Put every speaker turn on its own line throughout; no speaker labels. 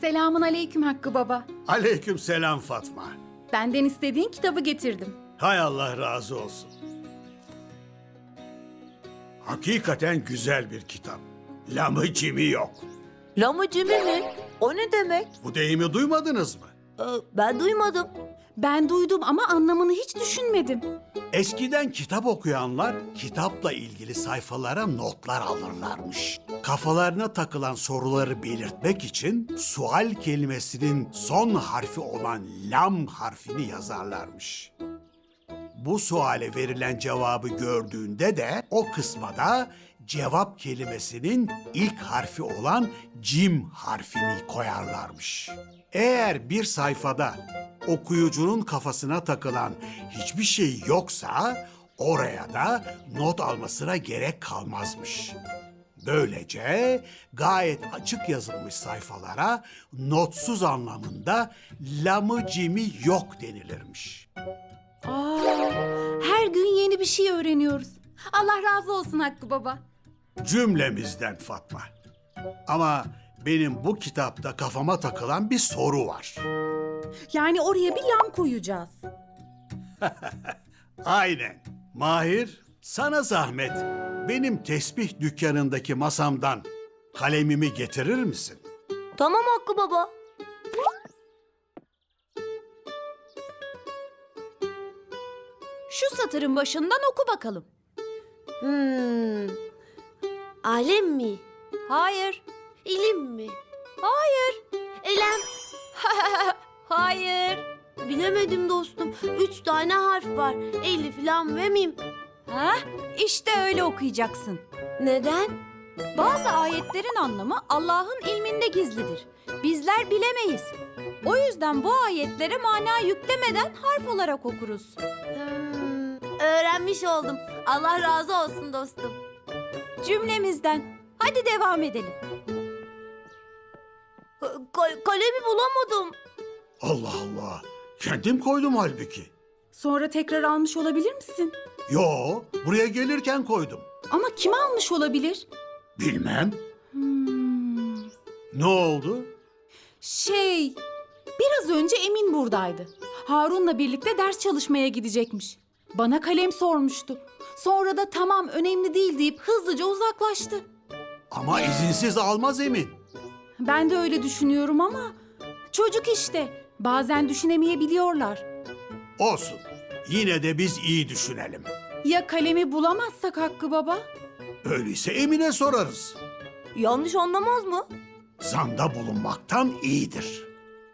Selamun aleyküm Hakkı Baba.
Aleyküm selam Fatma.
Benden istediğin kitabı getirdim.
Hay Allah razı olsun. Hakikaten güzel bir kitap. Lamı cimi yok.
Lamıcımı mi? O ne demek?
Bu deyimi duymadınız mı?
Ben duymadım.
Ben duydum ama anlamını hiç düşünmedim.
Eskiden kitap okuyanlar kitapla ilgili sayfalara notlar alırlarmış. Kafalarına takılan soruları belirtmek için sual kelimesinin son harfi olan lam harfini yazarlarmış. Bu suale verilen cevabı gördüğünde de o kısma da cevap kelimesinin ilk harfi olan cim harfini koyarlarmış. Eğer bir sayfada okuyucunun kafasına takılan hiçbir şey yoksa oraya da not almasına gerek kalmazmış. Böylece gayet açık yazılmış sayfalara notsuz anlamında lamı cimi yok denilirmiş.
Her gün yeni bir şey öğreniyoruz. Allah razı olsun Hakkı Baba.
Cümlemizden Fatma. Ama benim bu kitapta kafama takılan bir soru var.
Yani oraya bir lam koyacağız.
Aynen. Mahir, sana zahmet. Benim tesbih dükkanındaki masamdan kalemimi getirir misin?
Tamam Hakkı Baba.
Şu satırın başından oku bakalım.
Alem mi?
Hayır.
İlim mi?
Hayır.
Elem.
Hayır.
Bilemedim dostum. 3 tane harf var. Elif, lam ve mim.
Ha? İşte öyle okuyacaksın.
Neden?
Bazı ayetlerin anlamı Allah'ın ilminde gizlidir. Bizler bilemeyiz. O yüzden bu ayetlere mana yüklemeden harf olarak okuruz.
Öğrenmiş oldum. Allah razı olsun dostum.
Cümlemizden. Hadi devam edelim.
Kalemi bulamadım.
Allah Allah. Kendim koydum halbuki.
Sonra tekrar almış olabilir misin?
Yo, buraya gelirken koydum.
Ama kim almış olabilir?
Bilmem. Ne oldu?
Biraz önce Emin buradaydı. Harun'la birlikte ders çalışmaya gidecekmiş. Bana kalem sormuştu. Sonra da tamam önemli değil deyip hızlıca uzaklaştı.
Ama izinsiz almaz Emin.
Ben de öyle düşünüyorum ama çocuk işte. Bazen düşünemeyebiliyorlar.
Olsun. Yine de biz iyi düşünelim.
Ya kalemi bulamazsak Hakkı Baba?
Öyleyse Emin'e sorarız.
Yanlış anlamaz mı?
Zanda bulunmaktan iyidir.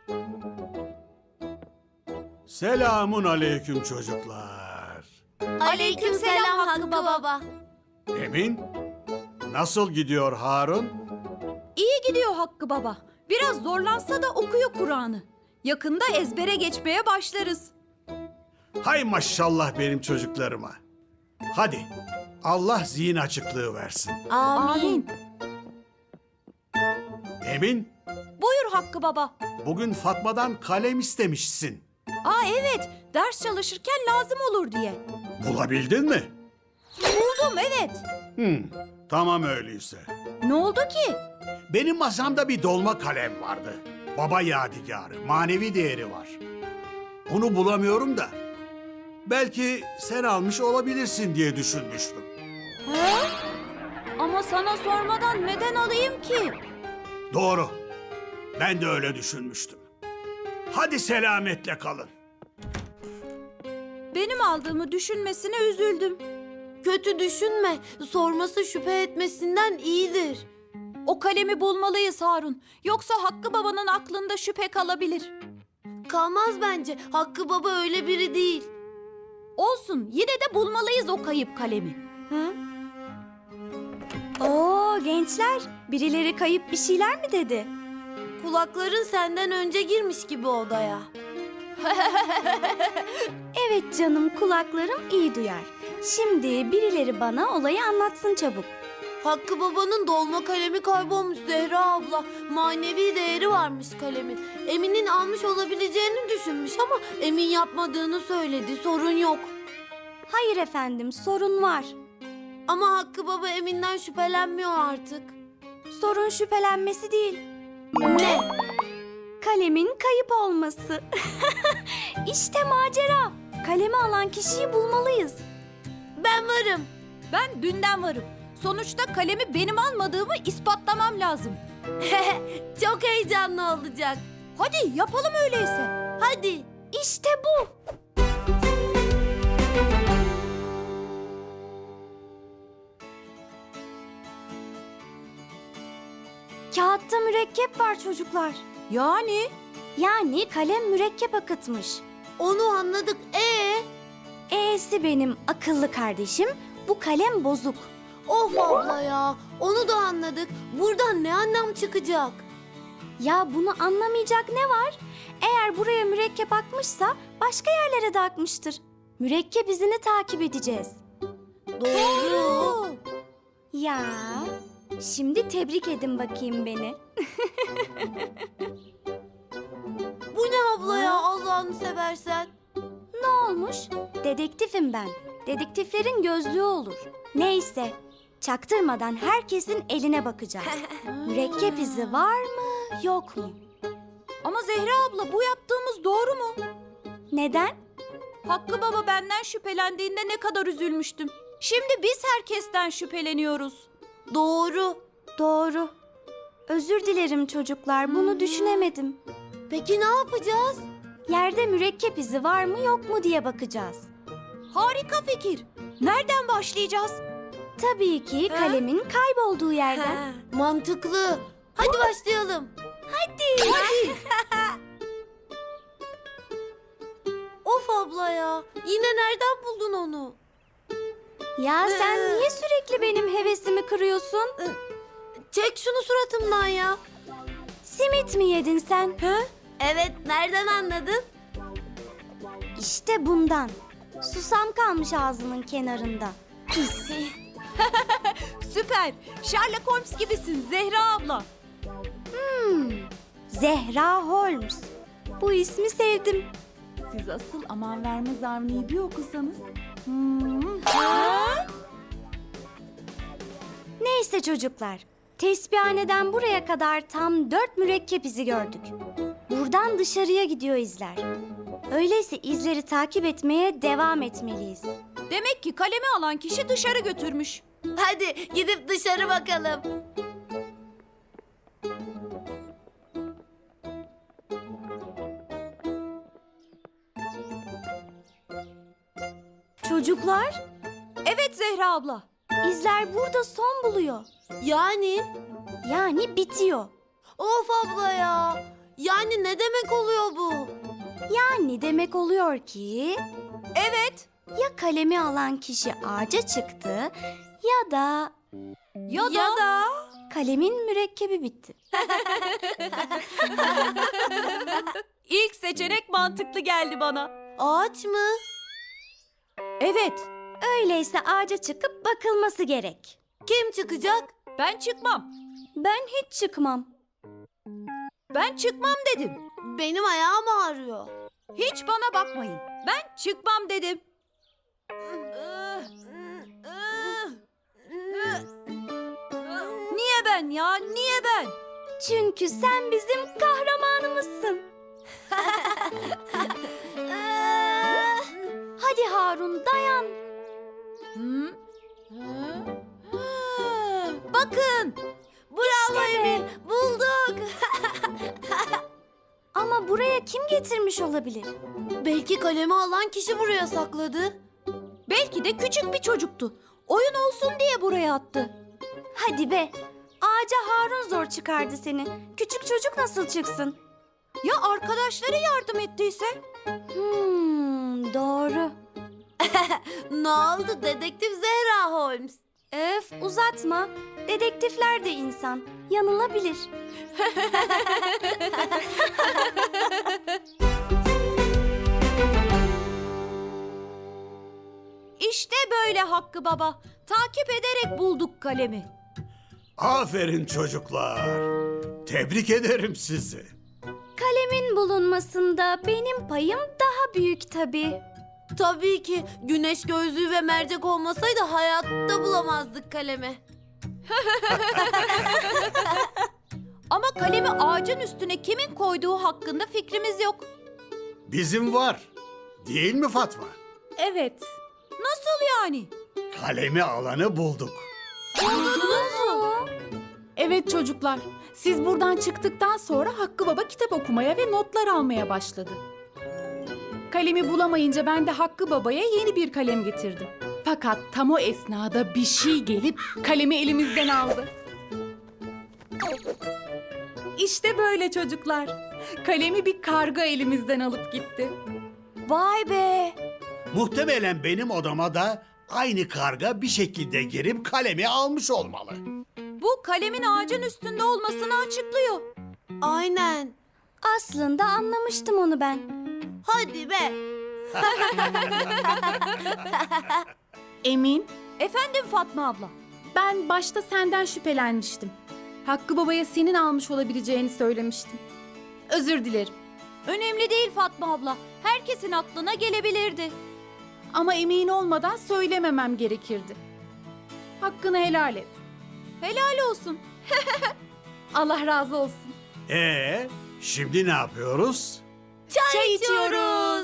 Selamun aleyküm çocuklar.
Aleykümselam Hakkı Baba.
Emin, nasıl gidiyor Harun?
İyi gidiyor Hakkı Baba. Biraz zorlansa da okuyor Kur'an'ı. Yakında ezbere geçmeye başlarız.
Hay maşallah benim çocuklarıma. Hadi, Allah zihin açıklığı versin.
Amin.
Emin,
Buyur Hakkı Baba.
bugün Fatma'dan kalem istemişsin.
Evet, ders çalışırken lazım olur diye.
Bulabildin mi?
Buldum, evet.
Tamam öyleyse.
Ne oldu ki?
Benim masamda bir dolma kalem vardı. Baba yadigarı, manevi değeri var. Onu bulamıyorum da. Belki sen almış olabilirsin diye düşünmüştüm.
Ama sana sormadan neden alayım ki?
Doğru. Ben de öyle düşünmüştüm. Hadi selametle kalın.
Benim aldığımı düşünmesine üzüldüm.
Kötü düşünme. Sorması şüphe etmesinden iyidir.
O kalemi bulmalıyız Harun. Yoksa Hakkı Baba'nın aklında şüphe kalabilir.
Kalmaz bence. Hakkı Baba öyle biri değil.
Olsun, yine de bulmalıyız o kayıp kalemi.
Oo gençler, birileri kayıp bir şeyler mi dedi?
Kulakların senden önce girmiş gibi odaya.
Evet canım, kulaklarım iyi duyar. Şimdi birileri bana olayı anlatsın çabuk.
Hakkı Baba'nın dolma kalemi kaybolmuş Zehra abla. Manevi değeri varmış kalemin. Emin'in almış olabileceğini düşünmüş ama Emin yapmadığını söyledi. Sorun yok.
Hayır efendim, sorun var.
Ama Hakkı Baba Emin'den şüphelenmiyor artık.
Sorun şüphelenmesi değil.
Ne?
Kalemin kayıp olması. İşte macera. Kalemi alan kişiyi bulmalıyız.
Ben varım.
Ben dünden varım. Sonuçta kalemi benim almadığımı ispatlamam lazım.
Çok heyecanlı olacak.
Hadi yapalım öyleyse.
Hadi.
İşte bu. Kağıtta mürekkep var çocuklar. Yani kalem mürekkep akıtmış.
Onu anladık.
E'si benim akıllı kardeşim, bu kalem bozuk.
Of abla ya. Onu da anladık. Buradan ne anlam çıkacak?
Ya bunu anlamayacak ne var? Eğer buraya mürekkep akmışsa başka yerlere de akmıştır. Mürekkep izini takip edeceğiz.
Doğru.
Ya, şimdi tebrik edin bakayım beni.
Bu ne abla ya, Allah'ını seversen?
Ne olmuş? Dedektifim ben. Dedektiflerin gözlüğü olur. Neyse, çaktırmadan herkesin eline bakacağız. Mürekkep izi var mı, yok mu?
Ama Zehra abla, bu yaptığımız doğru mu?
Neden?
Hakkı baba benden şüphelendiğinde ne kadar üzülmüştüm. Şimdi biz herkesten şüpheleniyoruz.
Doğru.
Doğru. Özür dilerim çocuklar, bunu düşünemedim.
Peki ne yapacağız?
Yerde mürekkep izi var mı yok mu diye bakacağız.
Harika fikir. Nereden başlayacağız?
Tabii ki kalemin kaybolduğu yerden.
Mantıklı. Hadi başlayalım.
Hadi.
Of abla ya. Yine nereden buldun onu?
Ya sen niye sürekli benim hevesimi kırıyorsun?
Çek şunu suratımdan ya.
Simit mi yedin sen?
Evet, nereden anladın?
İşte bundan. Susam kalmış ağzının kenarında. Pis.
Süper. Sherlock Holmes gibisin Zehra abla.
Zehra Holmes. Bu ismi sevdim.
Siz asıl aman vermez Avni'yi bir okusanız.
Neyse çocuklar. Tesbihhaneden buraya kadar tam 4 mürekkep izi gördük. Buradan dışarıya gidiyor izler. Öyleyse izleri takip etmeye devam etmeliyiz.
Demek ki kalemi alan kişi dışarı götürmüş.
Hadi gidip dışarı bakalım.
Çocuklar,
Evet Zehra abla.
izler burada son buluyor. Yani bitiyor.
Of abla ya. Yani ne demek oluyor bu?
Yani demek oluyor ki
Evet.
ya kalemi alan kişi ağaca çıktı ya da
Ya da...
kalemin mürekkebi bitti.
İlk seçenek mantıklı geldi bana.
Ağaç mı?
Evet.
Öyleyse ağaca çıkıp bakılması gerek.
Kim çıkacak?
Ben çıkmam.
Ben hiç çıkmam.
Ben çıkmam dedim.
Benim ayağım ağrıyor.
Hiç bana bakmayın. Ben çıkmam dedim. Niye ben ya? Niye ben?
Çünkü sen bizim kahramanımızsın. Hadi Harun dayan.
Bakın.
Bravo
İşte
Emin. Bulduk.
Ama buraya kim getirmiş olabilir?
Belki kalemi alan kişi buraya sakladı.
Belki de küçük bir çocuktu. Oyun olsun diye buraya attı.
Hadi be. Ağaca Harun zor çıkardı seni. Küçük çocuk nasıl çıksın?
Ya arkadaşları yardım ettiyse?
Doğru.
Ne oldu dedektif Zehra Holmes?
Öf uzatma. Dedektifler de insan. Yanılabilir.
İşte böyle Hakkı baba. Takip ederek bulduk kalemi.
Aferin çocuklar. Tebrik ederim sizi.
Kalemin bulunmasında benim payım daha büyük tabii.
Tabii ki güneş gözlüğü ve mercek olmasaydı hayatta bulamazdık kalemi.
Ama kalemi ağacın üstüne kimin koyduğu hakkında fikrimiz yok.
Bizim var. Değil mi Fatma?
Evet.
Nasıl yani?
Kalemi alanı bulduk.
Evet çocuklar. Siz buradan çıktıktan sonra Hakkı Baba kitap okumaya ve notlar almaya başladı. Kalemi bulamayınca ben de Hakkı Baba'ya yeni bir kalem getirdim. Fakat tam o esnada bir şey gelip kalemi elimizden aldı. İşte böyle çocuklar. Kalemi bir karga elimizden alıp gitti.
Vay be!
Muhtemelen benim odama da aynı karga bir şekilde girip kalemi almış olmalı.
Bu kalemin ağacın üstünde olmasını açıklıyor.
Aynen.
Aslında anlamıştım onu ben.
Hadi be.
Emin,
Efendim Fatma abla.
ben başta senden şüphelenmiştim. Hakkı Baba'ya senin almış olabileceğini söylemiştim. Özür dilerim.
Önemli değil Fatma abla. Herkesin aklına gelebilirdi.
Ama emin olmadan söylememem gerekirdi. Hakkını helal et.
Helal olsun.
Allah razı olsun.
Şimdi ne yapıyoruz?
Çay içiyoruz.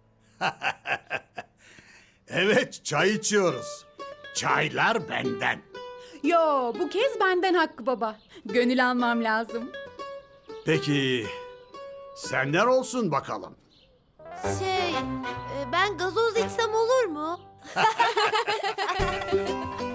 Evet, çay içiyoruz. Çaylar benden.
Yo, bu kez benden Hakkı Baba. Gönül almam lazım.
Peki, senden olsun bakalım.
Ben gazoz içsem olur mu?